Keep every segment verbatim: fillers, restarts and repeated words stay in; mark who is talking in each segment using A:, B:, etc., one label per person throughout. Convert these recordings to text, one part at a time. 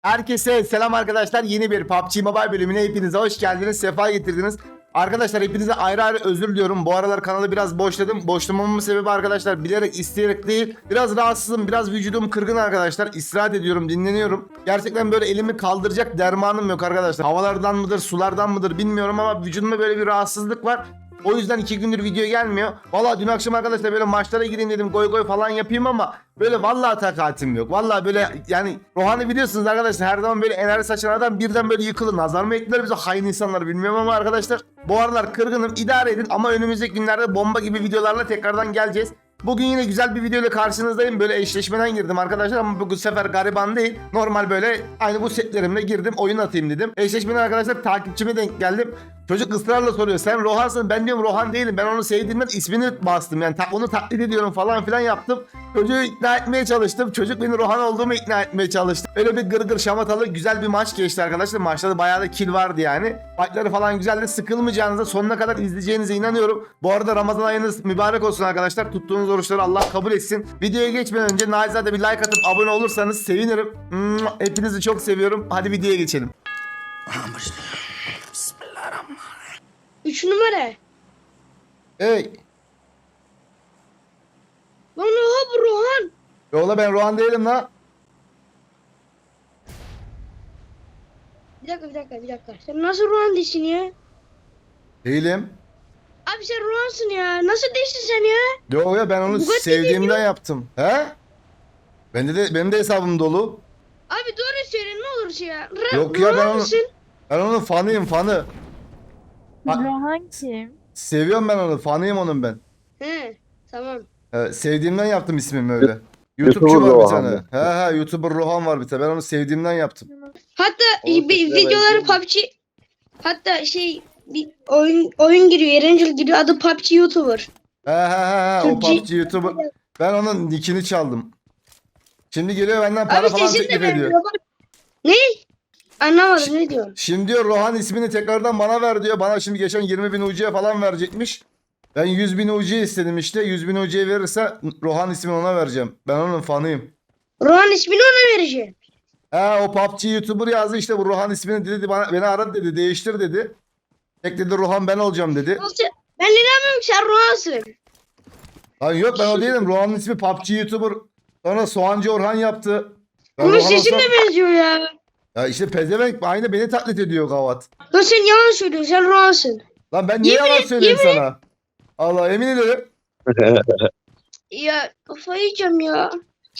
A: Herkese selam arkadaşlar. Yeni bir P U B G Mobile bölümüne hepinize hoş geldiniz. Sefa getirdiniz. Arkadaşlar hepinize ayrı ayrı özür diliyorum. Bu aralar kanalı biraz boşladım. Boşlamamın sebebi arkadaşlar bilerek isteyerek değil. Biraz rahatsızım. Biraz vücudum kırgın arkadaşlar. İstirahat ediyorum. Dinleniyorum. Gerçekten böyle elimi kaldıracak dermanım yok arkadaşlar. Havalardan mıdır sulardan mıdır bilmiyorum ama vücudumda böyle bir rahatsızlık var. O yüzden iki gündür video gelmiyor. Valla dün akşam arkadaşlar böyle maçlara gireyim dedim, goy goy falan yapayım ama böyle vallahi takatim yok. Vallahi böyle yani Rohan'ı biliyorsunuz arkadaşlar, her zaman böyle enerji saçan adam birden böyle yıkılır. Nazar mı ekler bize hain insanlar bilmiyorum ama arkadaşlar bu aralar kırgınım, idare edin ama önümüzdeki günlerde bomba gibi videolarla tekrardan geleceğiz. Bugün yine güzel bir video ile karşınızdayım. Böyle eşleşmeden girdim arkadaşlar ama bu sefer gariban değil. Normal böyle aynı bu setlerimle girdim, oyun atayım dedim. Eşleşmeden arkadaşlar takipçime denk geldim. Çocuk ısrarla soruyor, sen Rohan'sın. Ben diyorum Rohan değilim. Ben onu sevdiğimden ismini bastım. Yani ta- onu taklit ediyorum falan filan yaptım. Çocuğu ikna etmeye çalıştım. Çocuk beni Rohan olduğumu ikna etmeye çalıştı. Öyle bir gırgır şamatalı güzel bir maç geçti arkadaşlar. Maçta da bayağı da kill vardı yani. Fightları falan güzeldi. Sıkılmayacağınıza, sonuna kadar izleyeceğinize inanıyorum. Bu arada Ramazan ayınız mübarek olsun arkadaşlar. Tuttuğunuz oruçları Allah kabul etsin. Videoya geçmeden önce naçizane bir like atıp abone olursanız sevinirim. Hepinizi çok seviyorum. Hadi videoya geçelim.
B: Üç numara.
A: Hey.
B: Lan oha bu Rohan.
A: Yola ben Rohan değilim la.
B: Bir dakika bir dakika bir dakika. Sen nasıl Rohan değilsin ya?
A: Değilim.
B: Abi sen Rohan'sın ya. Nasıl değilsin sen ya?
A: Yo ya ben onu
B: Bugatti
A: sevdiğimden
B: değil mi?
A: yaptım. He? Bende de benim de hesabım dolu.
B: Abi doğru söyle ne olursa ya. Ra
A: Yok ya, ben
B: Rohan
A: onu
B: mısın?
A: ben onun fanıyım, fanı. Ha-
C: Rohan kim?
A: Seviyorum ben onu, fanıyım onun ben.
B: He tamam.
A: Ee, sevdiğimden yaptım ismimi öyle. YouTube'cu
D: YouTuber
A: var bir
D: Rohan
A: tane.
D: mı?
A: He he, YouTuber Rohan var bir tane. Ben onu sevdiğimden yaptım.
B: Hatta
A: Oğlum,
B: bir
A: sesine
B: videoları
A: benziyor
B: P U B G hatta şey bir oyun oyun giriyor. Erencil giriyor. Adı P U B G YouTuber.
A: He he he he, o
B: Türkçe-
A: P U B G YouTuber. Ben onun nickini çaldım. Şimdi geliyor benden para
B: Abi
A: falan
B: sesin de
A: teklif ediyor.
B: benziyor. Bak. Ne? Anlamadım ne diyor?
A: Şimdi diyor Rohan ismini tekrardan bana ver diyor. Bana şimdi geçen yirmi bin U C'ye falan verecekmiş. Ben yüz bin U C istedim işte. yüz bin U C verirse Rohan ismini ona vereceğim. Ben onun fanıyım.
B: Rohan ismini ona vereceğim.
A: He, o P U B G YouTuber yazdı işte, bu Rohan ismini dedi, bana, beni aradı dedi, değiştir dedi. Tek dedi Rohan ben olacağım dedi.
B: Yoksa ben inanmıyorum ki sen Rohan'sın.
A: Lan yok, ben o değilim. Rohan'ın ismi P U B G YouTuber. Sonra Soğancı Orhan yaptı. Ben
B: Bunun
A: Rohan
B: sesin
A: olsam-
B: de benziyor ya.
A: Ya işte pezevenk aynı beni taklit ediyor gavat.
B: Lan sen yalan söylüyorsun. Sen Rohan'sın.
A: Lan ben niye
B: Yemin
A: yalan
B: et,
A: söyleyeyim
B: yemin
A: sana? Allah emin ederim.
B: Ya kafayı yiyeceğim ya.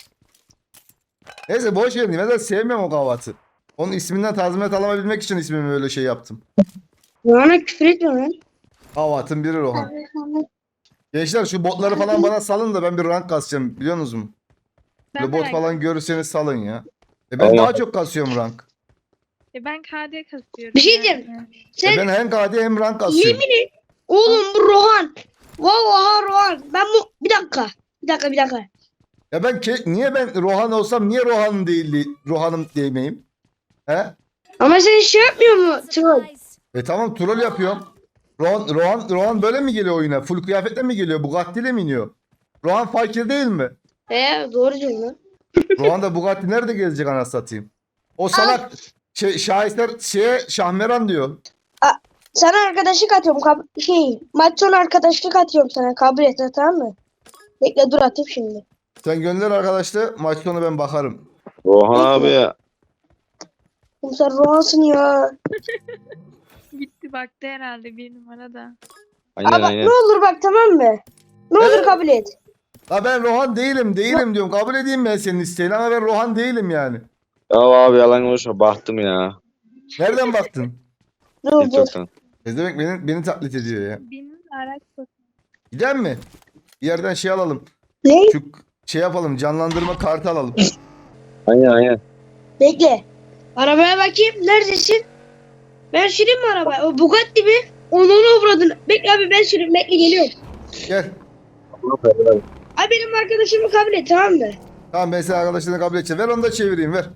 A: Neyse boş verin. Ben de sevmiyorum o gavatı. Onun isminden tazminat alabilmek için ismimi öyle şey yaptım.
B: Rohan'a küfür etme lan.
A: Gavatın biri Rohan. Gençler şu botları falan bana salın da ben bir rank kasacağım, biliyor musunuz?
C: Ben
A: Böyle bot
C: merak
A: falan görürseniz salın ya. E ben
D: Allah.
A: daha çok kasıyorum rank.
C: E ben K D kasıyorum.
B: Bir şey
C: yani.
B: diyeceğim.
A: E
B: Sen
A: ben hem K D hem rank kasıyorum.
B: yemin et. Oğlum bu Rohan. Vallahi Rohan. Ben bu bir dakika. Bir dakika bir dakika.
A: Ya ben ke- niye ben Rohan olsam niye Rohan değil, Rohan'ım diyemeyim? He?
B: Ama sen şey yapmıyor mu? Troll.
A: E tamam, troll yapıyorum. Rohan, Rohan, Rohan böyle mi geliyor oyuna? Full kıyafetle mi geliyor? Bugatti ile mi iniyor? Rohan fakir değil mi?
B: He doğru diyorsun lan.
A: Rohan da Bugatti nerede gezecek anasını satayım? O salak şey, şahisler şeye Şahmeran diyor.
B: Sana arkadaşlık atıyorum. Kab- şey maç sonu arkadaşlık atıyorum sana. Kabul et tamam mı? Bekle dur atayım şimdi.
A: Sen gönder arkadaşlar, maç sonu ben bakarım.
D: Rohan abi ya.
B: Oğlum sen Rohan'sın ya.
C: Gitti baktı herhalde bir numarada.
D: Aynen
B: Ama
D: aynen.
B: ne olur bak tamam mı? Ne olur kabul et.
A: La ben Rohan değilim, değilim diyorum. Kabul edeyim ben senin isteğini ama ben Rohan değilim yani.
D: Ya abi yalan konuşma. Baktım ya.
A: Nereden baktın?
B: Dur dur.
D: TikTok'tan.
A: Ne demek beni, beni taklit ediyor ya.
C: Benim araç bakıyor.
A: Gider mi? Bir yerden şey alalım.
B: Ne?
A: Şu şey yapalım, canlandırma kartı alalım.
D: Aynen aynen.
B: Bekle. Arabaya bakayım. Neredesin? Ben süreyim mi arabayı? O Bugatti mi? Onu onu avradın. Bekle abi ben süreyim. Bekle geliyorum.
A: Gel.
B: Abi benim arkadaşımı kabul et tamam mı?
A: Tamam, ben seni arkadaşlarına kabul edeceğim. Ver onu da çevireyim, ver.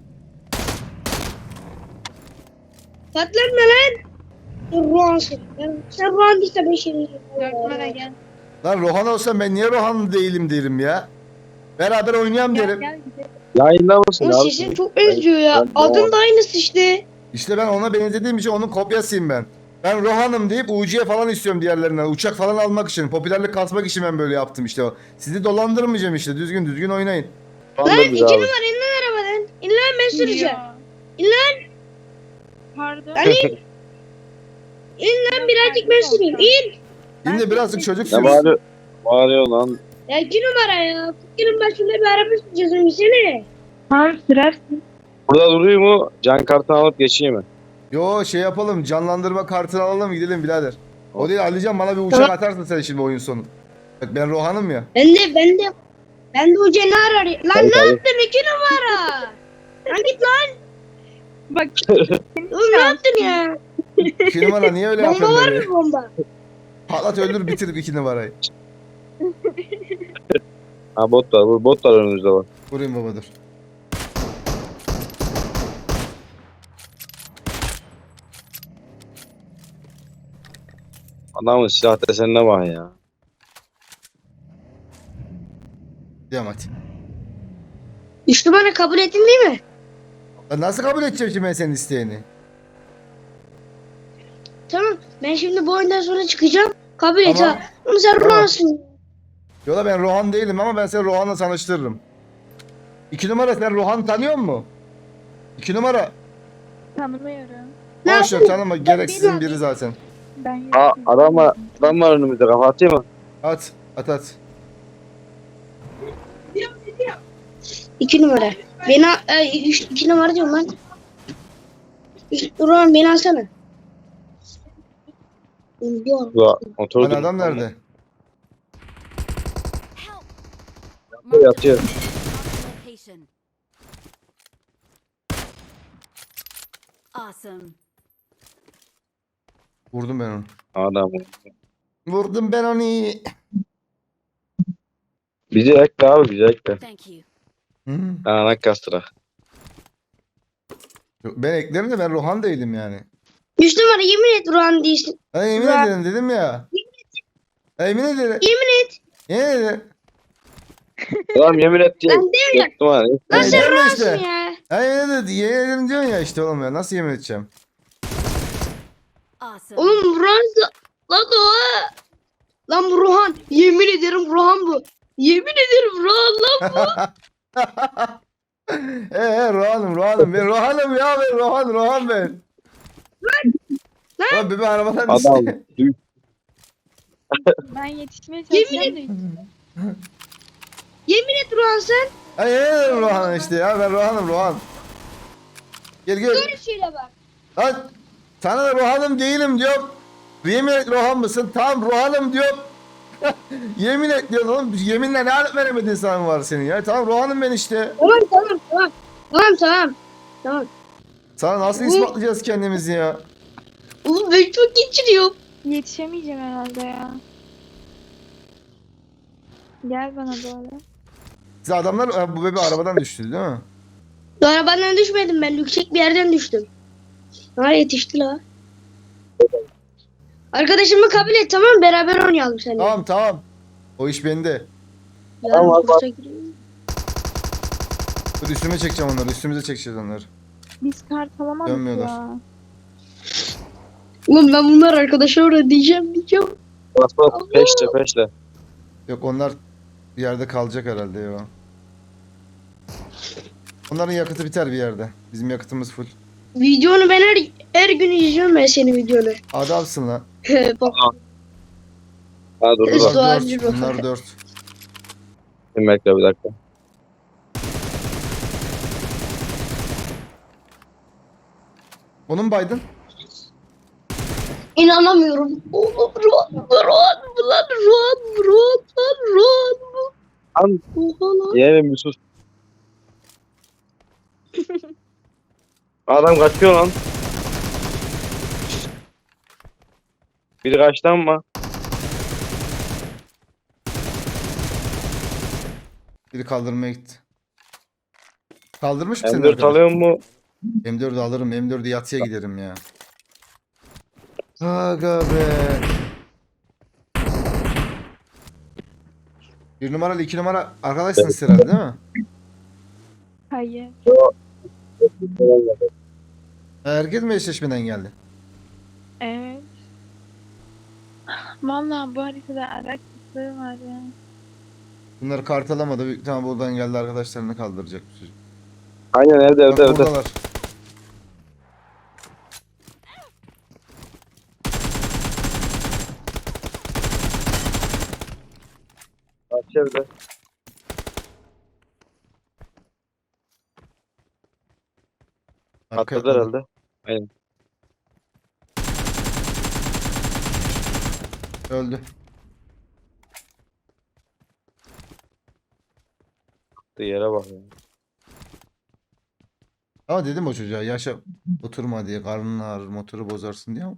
B: Patlatma lan. Sen Rohan'sın. Ben- Sen Rohan değilse ben şey diyeceğim.
C: Dört numara gel.
A: Lan Rohan olsam ben niye Rohan değilim derim ya. Beraber oynayalım
C: Gel
A: derim.
C: gel gidelim.
D: Yayında mısın
B: Onun
D: abi?
B: sesin çok benziyor ya.
D: ben Rohan.
B: Adın da aynısı işte.
A: İşte ben ona benzediğim için onun kopyasıyım ben. Ben Rohan'ım deyip U C falan istiyorum diğerlerinden. Uçak falan almak için, popülerlik kasmak için ben böyle yaptım işte o. Sizi dolandırmayacağım işte. Düzgün düzgün oynayın.
D: Şu anda
B: Lan
D: biz
B: iki
D: abi.
B: numara in lan arabadan. İn lan ben süreceğim.
C: Ya.
B: İn lan.
C: Pardon.
B: Lan in. İn lan birazcık ben süreyim. İn.
A: Şimdi birazcık çocuk
D: Ne
A: sürsün.
D: bağırıyor? Bağırıyor lan.
B: Ya iki numara ya. Fikrin başında bir araba süreceğiz öncesine.
C: Tamam sürersin.
D: Burada durayım mu? Can kartını alıp geçeyim mi?
A: Yo şey yapalım, canlandırma kartını alalım gidelim birader. O değil Alican, bana bir uçak atarsın sen şimdi oyun sonu. Bak ben Rohan'ım ya.
B: Ben de ben de ben de hoca ne arar? Lan
D: Tabii,
B: ne
D: tabii.
B: yaptın iki numara? Lan git lan.
C: Bak
B: Oğlum ne yaptın ya?
A: İki numara niye öyle
B: Bomba
A: yapıyorsun
B: var
A: böyle?
B: mı bomba?
A: Patlat öldür bitir iki numarayı.
D: Ha bot var. Bu bot var önümüzde var.
A: Vurayım baba dur.
D: Adamın silah desenine bak ya.
A: Devam hadi.
B: Üç numara kabul ettin değil mi?
A: Lan nasıl kabul edeceğim şimdi ben senin isteğini?
B: Tamam. Ben şimdi bu oyundan sonra çıkacağım. Kabul et
A: Tamam.
B: ha. Ama sen
A: Tamam.
B: Rohan'sın.
A: Yola ben Rohan değilim ama ben seni Rohan'la tanıştırırım. İki numara sen Rohan tanıyor musun? İki numara.
C: tanımıyorum.
B: Ne
A: Boş ver
B: yapayım?
A: tanıma, gereksizin biri zaten.
C: Ben
D: Aa,
C: yokum.
D: adam var. Adam var önümüzde. Kafa atayım mı?
A: At at at.
B: İki numara. Beni al- e, üç, iki numara diyorum lan. Üç, Rohan beni alsana. Yok.
D: Burada motor
A: Hani adam nerede?
E: Help!
D: Yatıyor.
E: Location. Awesome.
A: Vurdum ben onu.
D: Adam.
A: Vurdum ben onu.
D: Bizi ekle abi. Bizi ekle.
E: Thank you.
A: Hı.
D: Anak kastıra.
A: Yok, ben eklerim de ben Rohan değilim yani.
B: Üç numara yemin et Rohan değilsin.
A: Ben yemin
B: Rohan.
A: ederim dedim ya. Ben yemin ederim.
B: Yemin et.
A: Yemin ederim.
D: Adam yemin et diye.
B: Lan değil ya.
D: Yoktum ha.
B: Lan
A: Ben
B: sen
A: yemin
B: Rohan'sın
A: işte.
B: ya.
A: Ha yemin ederim, yemin ederim diyorsun ya işte oğlum ya. Nasıl yemin edeceğim?
E: Awesome.
B: Oğlum Rohan lan o. Lan bu Rohan. Yemin ederim Rohan bu. Yemin ederim Rohan lan bu.
A: He he Rohan'ım Rohan'ım. Ben Rohan'ım ya ben Rohan Rohan ben. Lan bebe arabadan
D: Adam.
A: düştü.
D: Düş.
C: Ben yetişmeye çalışacağım da hiç.
B: Yemin et Rohan sen.
A: Ha yemin ederim Rohan işte ya ben Rohan'ım Rohan. Gel gel.
B: Böyle şöyle bak.
A: Lan sana da Rohan'ım değilim diyorum. Yemin et Rohan mısın? Tamam Rohan'ım diyorum. Yemin et diyorsun oğlum. Yeminle ne alıp veremedin sana var senin ya. Tamam Rohan'ım ben işte.
B: Tamam tamam tamam. Tamam tamam. Tamam.
A: Sana nasıl ispatlayacağız kendimizi ya?
B: Oğlum ben çok geçiriyorum.
C: Yetişemeyeceğim herhalde ya. Gel bana böyle.
A: Siz adamlar ha, bu bebe arabadan düştü değil mi?
B: Arabadan düşmedim ben. Yüksek bir yerden düştüm. Ha yetişti la. Arkadaşımı kabul et tamam mı? Beraber oynayalım seninle.
A: Tamam tamam. O iş bende.
B: Yarın
D: Tamam, bak.
B: kursa girelim.
A: Dur üstüme çekeceğim onları. Üstümüze çekeceğiz onları.
C: Biz kart alamadık
A: Dönmüyorlar.
C: ya.
B: Oğlum ben bunlar arkadaşa orada diyeceğim diyeceğim.
D: Bas bas. Peşle peşle.
A: Yok onlar bir yerde kalacak herhalde ya. Onların yakıtı biter bir yerde. Bizim yakıtımız full.
B: Videonu ben her, her gün izliyorum ben senin videonu.
A: Adamsın lan.
B: Bak
D: Ha dur dur.
B: Su
A: Bunlar
B: harcı
A: dört.
B: bu.
A: Bunlar dört.
D: Şimdi bekle bir dakika.
A: Onun baydın.
B: inanamıyorum. Oğlum Ruan, Ruan, bu lan Ruan, Ruan, lan Ruan bu.
D: Lan
B: Oha lan.
D: yeğenim bir sus. Adam kaçıyor lan. Biri kaçtı ama.
A: Biri kaldırmaya gitti. Kaldırmış mı seni
D: M dört
A: arkadaş?
D: alıyor mu?
A: M dördü alırım. M dördü yatıya giderim ya. Aga be. Bir numaralı iki numara arkadaşsınız herhalde değil mi?
C: Hayır.
A: Herkes mi eşleşmeden geldi?
C: Evet. Vallahi bu haritada araç sesleri var ya.
A: Bunlar kart alamadı. Büyük ihtimalle buradan geldi, arkadaşlarını kaldıracak bu çocuk.
D: Aynen evde
A: Bak
D: evde evde.
A: buradalar.
D: Karşı evde.
A: Arka
D: Atladılar
A: atladı.
D: herhalde. Aynen.
A: Öldü.
D: Attığı yere bak ya.
A: Ama dedim o çocuğa, yaşa oturma diye, karnın ağrır, motoru bozarsın diye ama.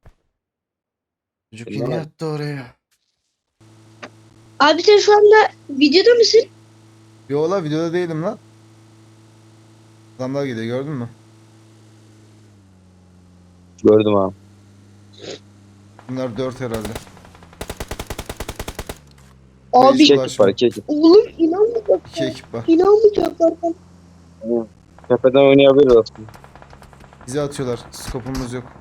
A: Çocuk
D: Bilmem
A: yine
D: abi.
A: yattı oraya.
B: Abi sen şu anda videoda mısın?
A: Yo la, videoda değilim lan. Adamlar gidiyor, gördün mü?
D: Gördüm abi.
A: Bunlar dört herhalde.
B: Abi
A: Hiç
D: İki ekip
A: bulaşma.
D: var iki ekip.
B: oğlum inanmayacak.
A: İki ekip var.
B: İnanmayacaklar.
D: Aynen. Tepeden oynayabiliriz aslında.
A: Bize atıyorlar. Skopumuz yok.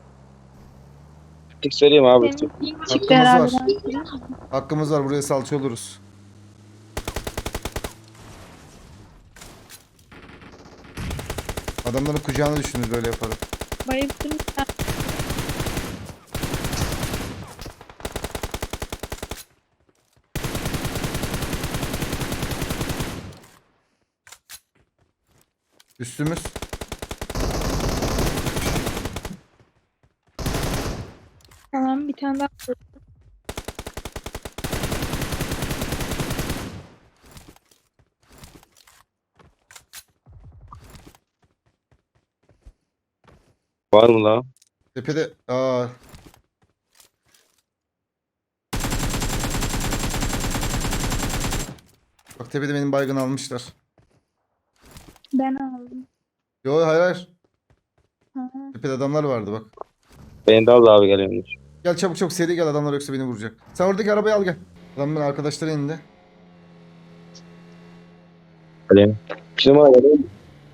D: Tık söyleyeyim abi.
C: Senin ilk
A: Hakkımız
C: çıktı herhalde.
A: var.
C: Ben söyleyeyim mi?
A: Hakkımız var, buraya salça oluruz. Adamların kucağına düşünür böyle yaparak.
C: Bayıldım.
A: Üstümüz.
C: Tamam bir tane daha.
D: Var mı lan?
A: Tepede. Aa. Bak tepede benim baygın almışlar.
C: Ben aldım.
A: Yo, hayır hayır.
C: Ha.
A: Tepede adamlar vardı bak.
D: Beni de al abi geliyormuş.
A: Gel çabuk çabuk, seri gel, adamlar yoksa beni vuracak. Sen oradaki arabayı al gel. Adamın arkadaşları indi.
D: Geleyim. Şimdi bana geleyim.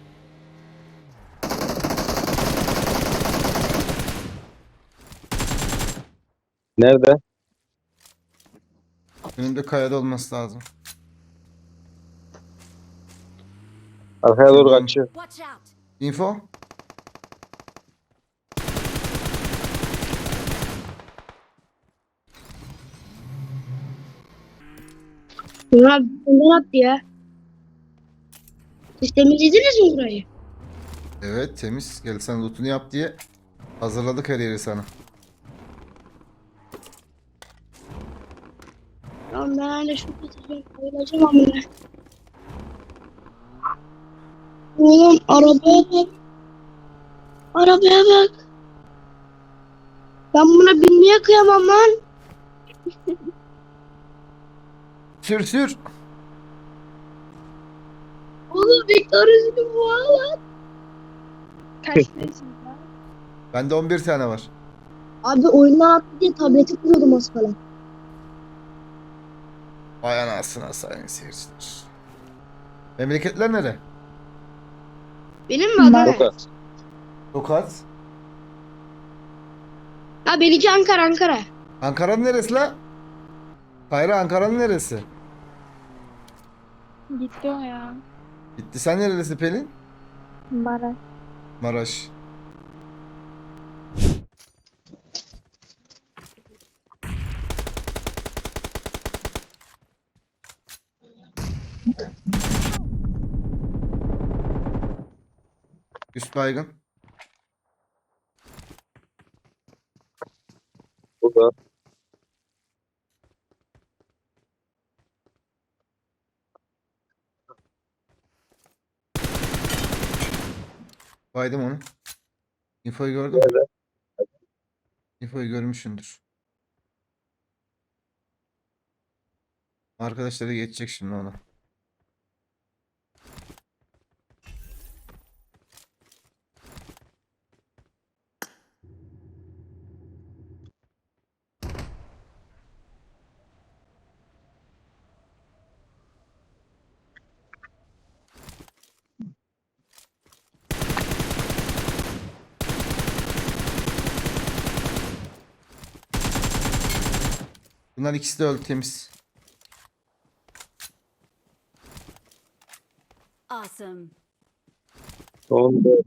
D: Nerede?
A: Önümde kayada olması lazım.
D: Arkaya doğru
A: Şuradan.
D: kaçıyor.
E: Watch out!
A: Info.
B: Ya bundan attı ya. Siz temizlediniz mi burayı?
A: Evet, temiz. Gel sen lootunu yap diye hazırladık her yeri sana.
B: Ya ben hala şu katacağım. Koyulacağım amına. Oğlum arabaya bak. Arabaya bak. Ben buna binmeye kıyamam lan.
A: Sür sür.
B: Oğlum Victoria'sını bu lan.
C: Kaç yaşında?
A: Bende on bir tane var.
B: Abi oyundan attı diye tableti kuruyordum az kala.
A: Vay anasına sayın seyirciler. Memleketler nere?
B: Benim mi Adana?
D: Çok az.
A: Tokat.
B: Ha benimki Ankara Ankara.
A: Ankara'nın neresi la? Kayra, Ankara'nın neresi?
C: Gitti o ya.
A: Gitti. Sen nerelisin Pelin?
C: Maraş.
A: Maraş. Üst baygın.
D: Burada.
A: Baydım onu. Infoyu gördün mü? Infoyu görmüşsündür. Arkadaşları geçecek şimdi ona. Bunlar ikisi de öldü, temiz.
E: Awesome.
D: Son dört.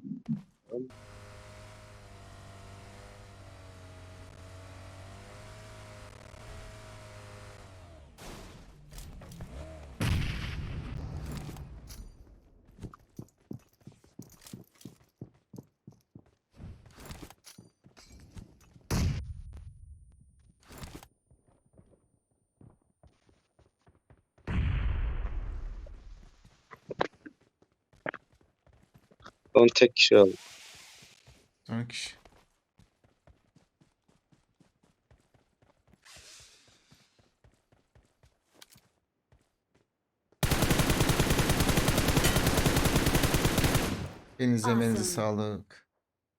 D: Son tek kişi aldı.
A: Son kişi. Elinize emeğinize
E: Awesome.
A: sağlık.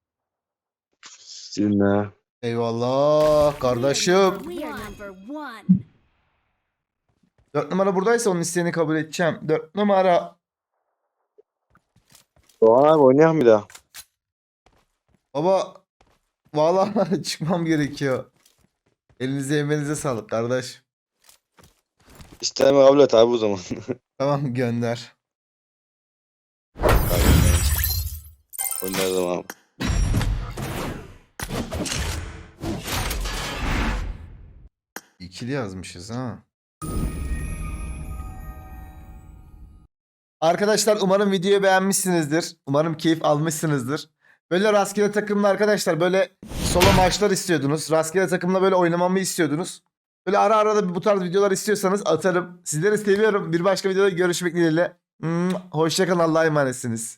D: Sizinle.
A: Eyvallah kardeşim.
E: We are number one.
A: Dört numara buradaysa onun isteğini kabul edeceğim. Dört numara.
D: Doğan abi oynayalım bir daha.
A: Baba vallahi çıkmam gerekiyor. Elinize emeğinize sağlık kardeş.
D: İsteme kabul et abi o zaman.
A: Tamam, gönder.
D: Oynayalım abi.
A: İkili yazmışız ha. Arkadaşlar umarım videoyu beğenmişsinizdir. Umarım keyif almışsınızdır. Böyle rastgele takımla arkadaşlar böyle solo maçlar istiyordunuz. Rastgele takımla böyle oynamamı istiyordunuz. Böyle ara ara da bu tarz videolar istiyorsanız atarım. Sizleri seviyorum. Bir başka videoda görüşmek dileğiyle. Hoşçakalın, Allah'a emanetsiniz.